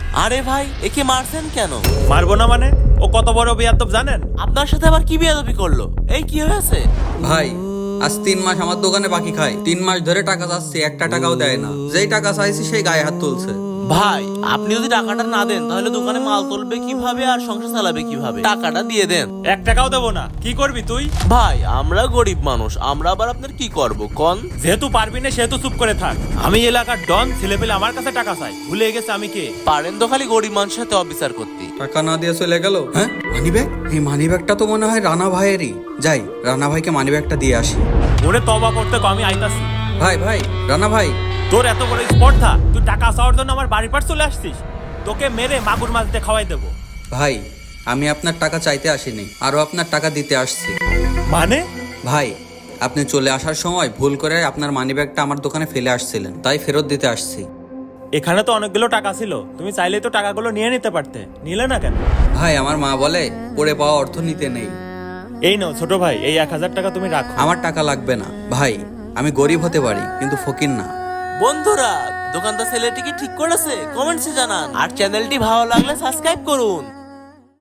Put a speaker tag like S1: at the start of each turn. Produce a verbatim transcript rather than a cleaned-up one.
S1: আরে ভাই, একে মারছেন কেন?
S2: মারবো না মানে? ও কত বড় বেয়াদব জানেন?
S1: আপনার সাথে আবার কি বেয়াদবি করলো? এই কি হয়েছে?
S3: ভাই আজ তিন মাস আমার দোকানে বাকি খায়, তিন মাস ধরে টাকা চাচ্ছি, একটা টাকাও দেয় না। যেই টাকা চাইছি সেই গায়ে হাত তুলছে।
S1: ভাই, আপনি যদি টাকাটা না দেন তাহলে দোকানে মাল তুলবে কিভাবে আর সংসার চালাবে কিভাবে? টাকাটা দিয়ে দেন।
S2: এক টাকাও দেবো না। কি করবি তুই?
S1: ভাই, আমরা গরিব মানুষ, আমরা আবার আপনার কি করব কোন?
S2: যেহেতু পারবি না সেহেতু চুপ করে থাক। আমি এলাকার ডন, ছেলে পেলে আমার কাছে টাকা চাই, ভুলে গেছে আমি কে।
S1: পারেন তো খালি গরিব মানুষের সাথে অবিচার করতে।
S3: টাকা না দিয়ে চলে গেল। হ্যাঁ, মানি ব্যাগ? এই মানি ব্যাগটা তো মনে হয় রানা ভাইয়েরই। যাই, রানা ভাইকে মানি ব্যাগটা দিয়ে আসি।
S2: ওরে তবা করতে কো, আমি আইতাছি।
S3: ভাই ভাই, রানা ভাই।
S2: তোর এত বড় স্পর্ধা, তুই টাকা চাওয়ার জন্য আমার বাড়ির পাশ চলে আসছিস? তোকে মেরে মাগুর মাছ দিয়ে খাওয়াই দেবো।
S3: ভাই, আমি আপনার টাকা চাইতে আসিনি, আরো আপনার টাকা দিতে আসছি।
S2: মানে?
S3: ভাই, আপনি চলে আসার সময় ভুল করে আপনার মানি ব্যাগটা আমার দোকানে ফেলে আসছিলেন, তাই ফেরত দিতে আসছি।
S2: এখানে তো অনেকগুলো টাকা ছিল, তুমি চাইলেই তো টাকাগুলো নিয়ে নিতে পারতে, নিলে না কেন?
S3: ভাই, আমার মা বলে পড়ে পাওয়া অর্থ নিতে নেই।
S2: এই নাও ছোট ভাই, এই এক হাজার টাকা তুমি রাখো।
S3: আমার টাকা লাগবে না ভাই, আমি গরিব হতে পারি কিন্তু ফকির না।
S1: বন্ধুরা, দোকানদার ছেলেটি কি ঠিক করেছে? কমেন্টসে জানান। আর চ্যানেলটি ভালো লাগলে সাবস্ক্রাইব করুন।